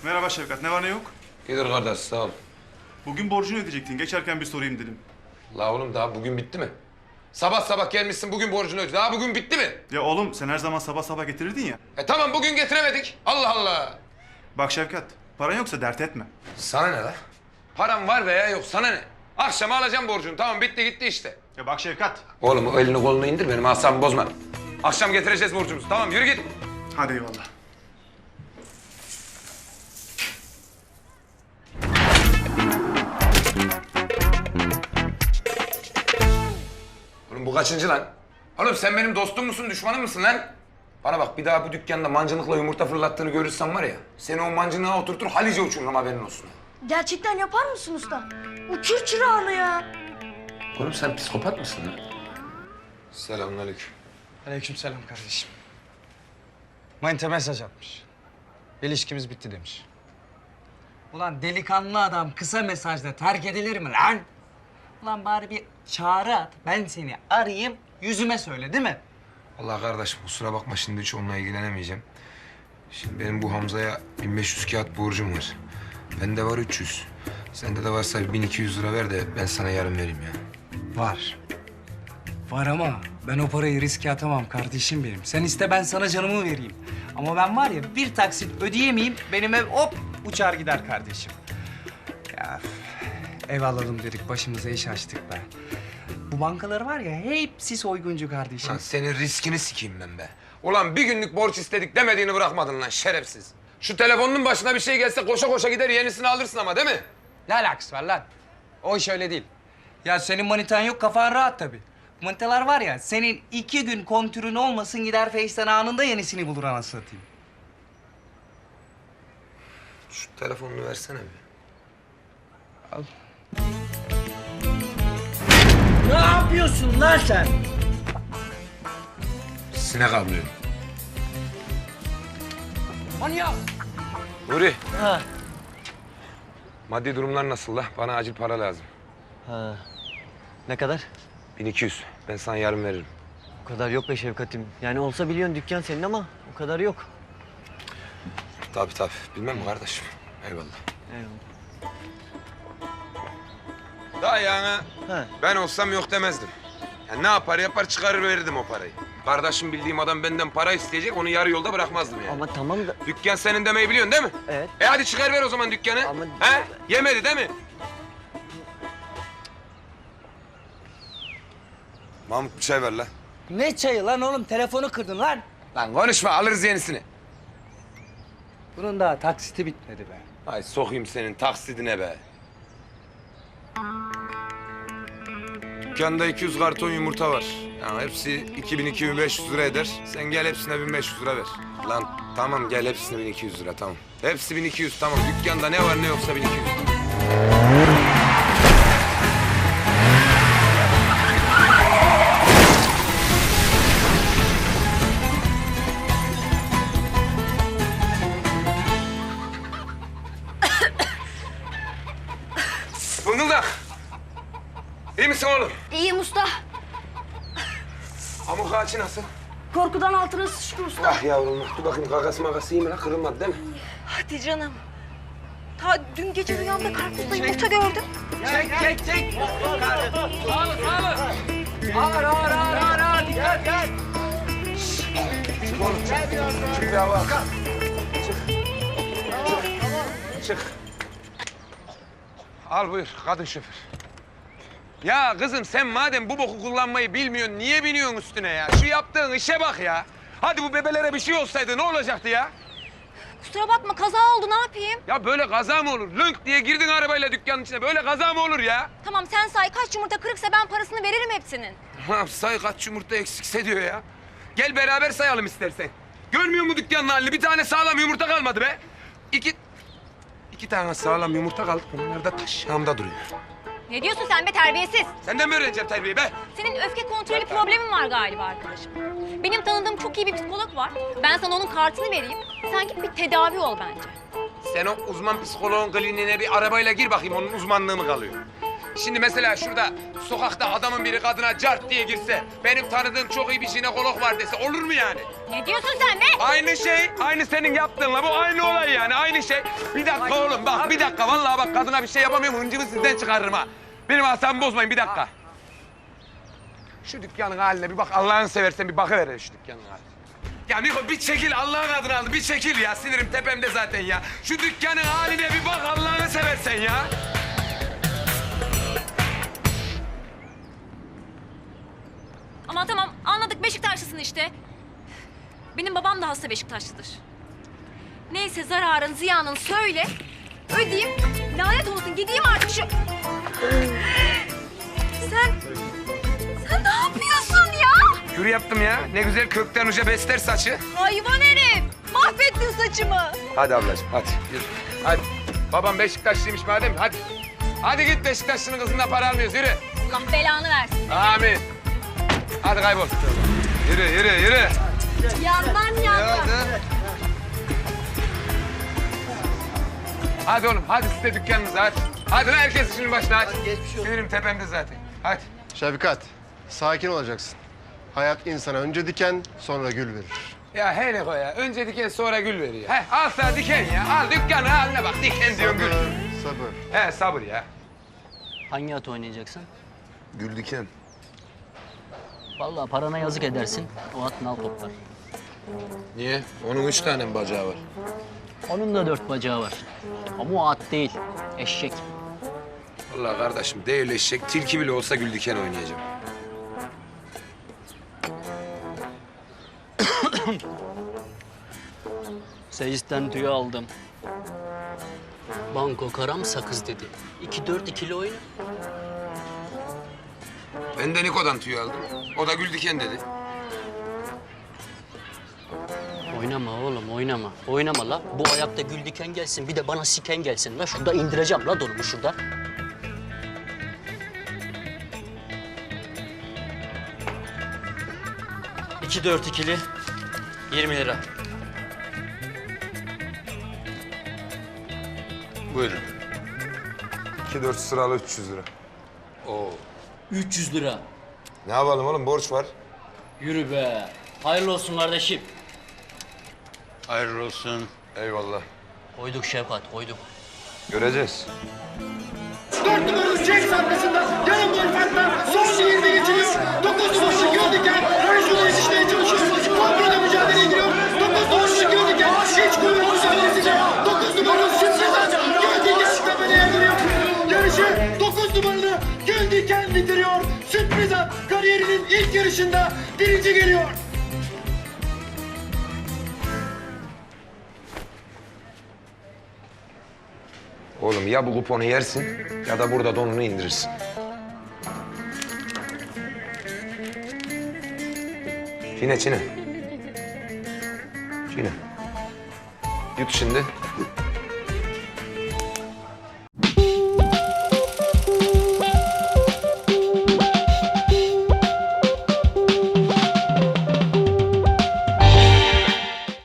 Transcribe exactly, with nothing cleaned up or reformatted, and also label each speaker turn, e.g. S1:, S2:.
S1: Merhaba Şevkat, ne var ne yok?
S2: İyidir kardeş, sağ ol.
S1: Bugün borcunu ödeyecektin, geçerken bir sorayım dedim.
S2: La oğlum daha bugün bitti mi? Sabah sabah gelmişsin bugün borcunu öde. Daha bugün bitti mi?
S1: Ya oğlum sen her zaman sabah sabah getirirdin ya.
S2: E tamam bugün getiremedik. Allah Allah.
S1: Bak Şevkat, paran yoksa dert etme.
S2: Sana ne la? Param var veya yok sana ne? Akşama alacağım borcunu. Tamam bitti gitti işte.
S1: Ya bak Şevkat.
S2: Oğlum o elini kolunu indir benim asabımı bozma. Akşam getireceğiz borcumuzu. Tamam yürü git.
S1: Hadi eyvallah.
S2: Oğlum bu kaçıncı lan? Oğlum sen benim dostum musun, düşmanım mısın lan? Bana bak bir daha bu dükkanda mancınıkla yumurta fırlattığını görürsem var ya... ...seni o mancınığa oturtur Halice uçururum haberin olsun.
S3: Gerçekten yapar mısın usta? Uçur çırağını ya.
S2: Oğlum sen psikopat mısın lan? Selamünaleyküm.
S4: Aleykümselam kardeşim. Manita mesaj atmış. İlişkimiz bitti demiş. Ulan delikanlı adam kısa mesajla terk edilir mi lan? Ulan bari bir çağrı at. Ben seni arayayım, yüzüme söyle değil mi?
S2: Allah kardeşim kusura bakma şimdi hiç onunla ilgilenemeyeceğim. Şimdi benim bu Hamza'ya bin beş yüz kağıt borcum var. Bende var üç yüz. Sende de varsa bin iki yüz lira ver de ben sana yarın vereyim ya.
S4: Var. Var ama ben o parayı riske atamam kardeşim benim. Sen iste ben sana canımı vereyim. Ama ben var ya bir taksit ödeyemeyeyim benim ev hop uçar gider kardeşim. Ya ev alalım dedik başımıza iş açtık be. Bu bankalar var ya hepsi soyguncu kardeşim.
S2: Lan senin riskini sikeyim ben be. Ulan bir günlük borç istedik demediğini bırakmadın lan şerefsiz. Şu telefonun başına bir şey gelse koşa koşa gider yenisini alırsın ama değil mi?
S4: Ne alakası var lan? O iş öyle değil. Ya senin manitan yok kafan rahat tabii. Manitalar var ya senin iki gün kontürün olmasın gider Face'ten anında yenisini bulur anasını satayım.
S2: Şu telefonunu versene bir.
S4: Al. Ne yapıyorsun lan sen?
S2: Sinek avlıyorum.
S4: Manyak!
S2: Nuri.
S5: Ha.
S2: Maddi durumlar nasıl la? Bana acil para lazım.
S5: Ha. Ne kadar?
S2: bin iki yüz. Ben sana yarın veririm.
S5: O kadar yok be Şevkat'im. Yani olsa biliyorsun dükkan senin ama o kadar yok.
S2: Tabii tabii. Bilmem mi kardeşim? Eyvallah.
S5: Eyvallah.
S2: Daha yani
S5: Ha.
S2: ben olsam yok demezdim. Ya ne yapar yapar çıkarır verirdim o parayı. Kardeşim bildiğim adam benden para isteyecek onu yarı yolda bırakmazdım yani.
S5: Ama tamam da...
S2: Dükkan senin demeyi biliyorsun değil mi?
S5: Evet.
S2: E hadi çıkar ver o zaman dükkanı.
S5: Ama-
S2: He? Yemedi değil mi? Mahmut bir çay ver lan.
S4: Ne çayı lan oğlum? Telefonu kırdın lan.
S2: Lan konuşma alırız yenisini.
S4: Bunun daha taksiti bitmedi be.
S2: Ay sokayım senin taksidine be. Dükkanda iki yüz karton yumurta var. Yani hepsi iki bin iki bin beş yüz lira eder. Sen gel hepsine bin beş yüz lira ver. Lan tamam gel hepsine bin iki yüz lira tamam. Hepsi bin iki yüz tamam. Dükkanda ne var ne yoksa bin iki yüz. Fıngıldak. İyi misin oğlum?
S3: İyiyim usta.
S2: Amuk ağaçı nasıl?
S3: Korkudan altına sıçtı usta.
S2: Ah yavrum dur bakayım kakası makası iyi mi lan? Kırılmadı değil mi?
S6: Hadi canım. Ta dün gece rüyamda karpuzla yumurta gördüm.
S4: Çek, çek, çek. Sağ olun, sağ olun. Ağır, ağır, ağır, ağır, ağır. Dikkat, dikkat.
S2: Çık oğlum çık. Çık bir hava. Çık. Çık. Çık. Al buyur kadın şoför. Ya kızım sen madem bu boku kullanmayı bilmiyorsun niye biniyorsun üstüne ya? Şu yaptığın işe bak ya. Hadi bu bebelere bir şey olsaydı ne olacaktı ya?
S6: Kusura bakma kaza oldu ne yapayım?
S2: Ya böyle kaza mı olur? Lönk diye girdin arabayla dükkanın içine. Böyle kaza mı olur ya?
S6: Tamam sen say kaç yumurta kırıksa ben parasını veririm hepsinin.
S2: Ha, say kaç yumurta eksikse diyor ya. Gel beraber sayalım istersen. Görmüyor musun dükkanın halini? Bir tane sağlam yumurta kalmadı be. İki... iki tane sağlam yumurta kaldı. Onlar da taşağımda duruyor.
S6: Ne diyorsun sen be terbiyesiz?
S2: Senden mi öğreneceğim terbiyeyi be?
S6: Senin öfke kontrolü problemin var galiba arkadaşım. Benim tanıdığım çok iyi bir psikolog var. Ben sana onun kartını vereyim. Sen git bir tedavi ol bence.
S2: Sen o uzman psikoloğun kliniğine bir arabayla gir bakayım. Onun uzmanlığı mı kalıyor? Şimdi mesela şurada sokakta adamın biri kadına cart diye girse, benim tanıdığım çok iyi bir jinekolog var dese olur mu yani?
S6: Ne diyorsun sen be?
S2: Aynı şey, aynı senin yaptığınla bu aynı olay yani, aynı şey. Bir dakika oğlum bak, bir dakika vallahi bak kadına bir şey yapamıyorum, hıncımı sizden çıkarırım ha. Benim asabımı bozmayın, bir dakika. Şu dükkanın haline bir bak, Allah'ını seversen bir bakıver şu dükkanın haline. Ya Niko bir çekil Allah'ın adını aldı, bir çekil ya. Sinirim tepemde zaten ya. Şu dükkanın haline bir bak Allah'ını seversen ya.
S6: Ama tamam anladık Beşiktaşlısın işte. Benim babam da hasta Beşiktaşlıdır. Neyse zararın ziyanın söyle. Ödeyeyim. Lanet olsun gideyim artık şu... Sen... Sen ne yapıyorsun ya?
S2: Kür yaptım ya. Ne güzel kökten uca besler saçı.
S6: Hayvan herif. Mahvettin saçımı.
S2: Hadi ablacığım hadi yürü. Hadi. Babam Beşiktaşlıymış madem hadi. Hadi git Beşiktaşlı'nın kızından para almıyoruz yürü.
S6: Allah belanı versin.
S2: Amin. Hadi kaybol. Yürü yürü yürü.
S6: Yandan yandan.
S2: Hadi oğlum hadi siz de dükkanınıza hadi. Hadi lan herkes işinin başına hadi. Sinirim tepemde zaten. Hadi.
S7: Şefkat, sakin olacaksın. Hayat insana önce diken, sonra gül verir.
S2: Ya hele koy ya. Önce diken sonra gül veriyor. He al sana diken ya. Al dükkanı haline bak. Diken diyorsun gül.
S7: Sabır.
S2: He sabır ya.
S8: Hangi at oynayacaksın?
S2: Gül diken.
S8: Vallahi parana yazık edersin. O at nal toplar.
S2: Niye? Onun üç tane mi bacağı var?
S8: Onun da dört bacağı var. Ama o at değil. Eşek.
S2: Vallahi kardeşim değil eşek. Tilki bile olsa gül diken oynayacağım.
S8: Seyisten tüyü aldım. Banko karam sakız dedi. İki dört ikili oyna.
S2: Ben de Niko'dan tüy aldım. O da gül diken dedi.
S8: Oynama oğlum oynama. Oynama la. Bu ayakta gül diken gelsin. Bir de bana siken gelsin la. Şurada indireceğim la donumu şurada.
S5: İki dört ikili yirmi lira.
S2: Buyurun. İki dört sıralı üç yüz lira. Oo.
S8: üç yüz lira.
S2: Ne yapalım oğlum borç var.
S8: Yürü be. Hayırlı olsun kardeşim.
S2: Hayırlı olsun. Eyvallah.
S8: Koyduk Şevkat koyduk.
S2: Göreceğiz.
S9: Dört numaralı James arkasında yarım gol farkla son yirmi geçiliyor. Dokuz numaralı Göldiken Rajun'a yetişmeye çalışıyor. Kontrada mücadeleye giriyor. Dokuz numaralı Göldiken hiç kuvvet mücadelesiyle. Dokuz numaralı Şimşek'ten Göldiken şikabene yardırıyor. Yarışı dokuz numaralı Göldiken bitiriyor. Sürpriz at kariyerinin ilk yarışında birinci geliyor.
S2: Oğlum ya bu kuponu yersin ya da burada donunu indirirsin. Çiğne çiğne. Çiğne. Yut şimdi.